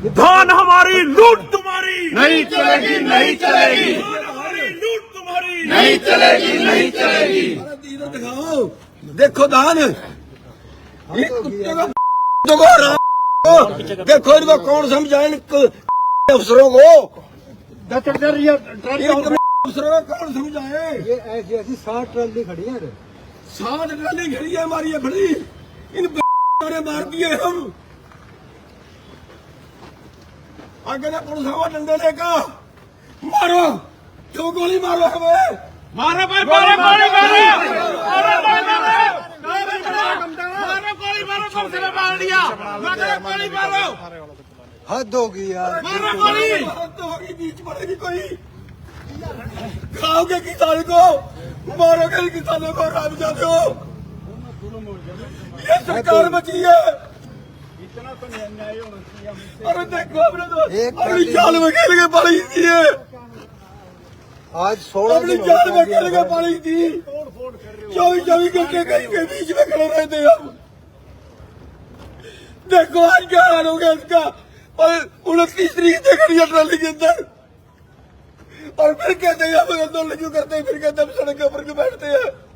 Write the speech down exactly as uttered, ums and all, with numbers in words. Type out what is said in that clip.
धान हमारी लूट तुम्हारी नहीं चलेगी, नहीं चलेगी, धान हमारी लूट तुम्हारी नहीं चलेगी, नहीं चलेगी। इधर दिखाओ, देखो धान ये कुत्ते का देखो इनको कौन समझाए अफसरों को, अफसरों को कौन समझाए। ये ऐसी ऐसी साठ ट्राली खड़ी है, सात ट्राली खड़ी है हमारी, ये बड़ी इन ने मार दिए हम। आगे ना पुलिस हवा डंडे लेकर मारो, क्यों गोली मारो हमें, मारो भाई मारो गोली मारो मारो गोली मारो मारो गोली मारो कम से मार दिया मारो गोली मारो हद होगी यार। मारो गोली तो होगी, बीच पड़ेगी कोई, खाओगे किसान को, मारोगे किसानों को, राम जाते हो। ये सरकार बची है। अरे देखो अपने तो अपनी जाल में खेल के पड़ी थी ये, आज सोलह अपनी जाल में खेल के पड़ी थी। चौबीस चौबीस घंटे कहीं के बीच में खड़े रहते हम। देखो आज क्या हाल हो गया इसका। और उनतीस तरीक से खड़ी है ट्राली के अंदर, और फिर कहते हैं हम आंदोलन क्यों करते हैं, फिर कहते हैं हम सड़क के ऊपर क्यों बैठते हैं।